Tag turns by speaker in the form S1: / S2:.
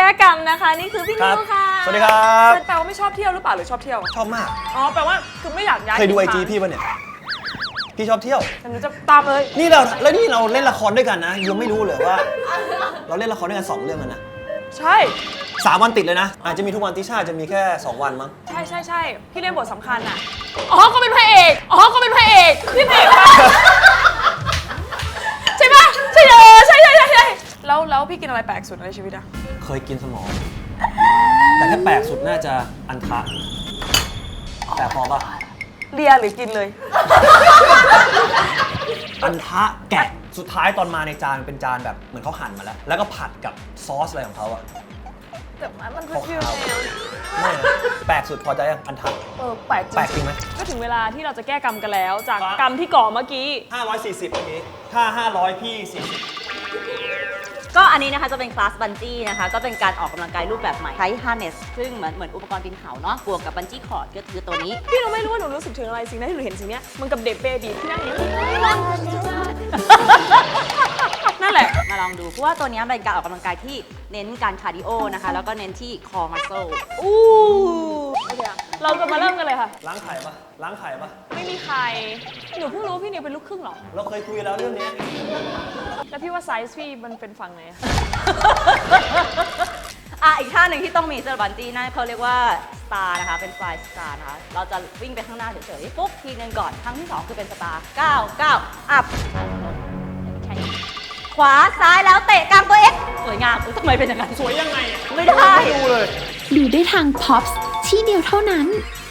S1: ก้กรรมนะคะนี่คือพี่นิวค่ะ
S2: สวัสดีครับ
S1: แปลว่าไม่ชอบเที่ยวหรือเปล่าหรือชอบเที่ยว
S2: ชอบมาก
S1: อ๋อแปลว่าคือไม่อยากย้าย
S2: เคยดูไอจีพี่ป่ะเนี่ยพี่ชอบเที่ยว
S1: แต่หนูจะตามเลย
S2: นี่เราเล่นละครด้วยกันนะยังไม่รู้เลยว่า เราเล่นละครด้วยกัน2เรื่องกันนะ
S1: ใช่
S2: 3 วันติดเลยนะอาจจะมีทุกวันติช่าจะมีแค่2 วันมั้ง
S1: ใช่พี่เล่นบทสำคัญอ่ะอ๋อก็เป็นพระเอกพี่พระเอกใช่ปะใช่ใช่แล้วพี่กินอะไรแปลกสุดในชีวิตอะ
S2: เคยกินสมองแต่ถ้าแปลกสุดน่าจะอันทะแต่พอปะ
S1: เลียหรือกินเลย
S2: อันทะแกะสุดท้ายตอนมาในจานเป็นจานแบบเหมือนเขาหั่นมาแล้วก็ผัดกับซอสอะไรของเขาอะ
S1: แต่มันคือฟิวแนว
S2: ไม่นะแปลกสุดพอใจยังอันทะ
S1: แปลก
S2: จริงไหม
S1: ก็ถึงเวลาที่เราจะแก้กรรมกันแล้วจากกรรมที่ก่อเมื่อกี้
S2: 540เมื่อกี้ถ้า500พี่40
S3: ก็อันนี้นะคะจะเป็นคลาสบันจี้นะคะก็เป็นการออกกำลังกายรูปแบบใหม่ใช้ฮาร์เนสซึ่งเหมือนอุปกรณ์ปีนเขาเนาะบวกกับบันจี้คอร์ดก็คือตัวนี้
S1: พี่เราไม่รู้ว่าหนูรู้สึกถึงอะไรสิ่งนั้นที่หนูเห็นสิ่งนี้มันกับเด็กเบบีที่นั่งอยู่นั่นแหละ
S3: มาลองดูเพราะว่าตัวนี้เป็นการออกกำลังกายที่เน้นการคาร์ดิโอนะคะแล้วก็เน้นที่คอมัสเซล
S1: เราจะมาเริ่มกันเลยค่ะ
S2: ล้างไข่ปะ
S1: ไม่มีใครหนูเพิ่งรู้พี่นิวเป็นลูกครึ่งหรอ
S2: เราเคยคุยแล้วเรื่องนี้
S1: แล้วพี่ว่าไซส์พี่มันเป็นฝั่งไหน
S3: อีกท่าหนึ่งที่ต้องมีสำหรับบันจี้นั่นเขาเรียกว่าสตาร์นะคะเป็นฟลายสตาร์นะคะเราจะวิ่งไปข้างหน้าเฉยๆปุ๊บทีนึงก่อนครั้งที่2คือเป็นสตาร์9อัพขวาซ้ายแล้วเตะกลางตัวเอ็กสวยงามทำไมเป็นอย่างนั้น
S1: สวยยังไง
S3: ไม่ได้
S2: ดูเลย
S4: ดูได้ทาง POPS ที่เดียวเท่านั้น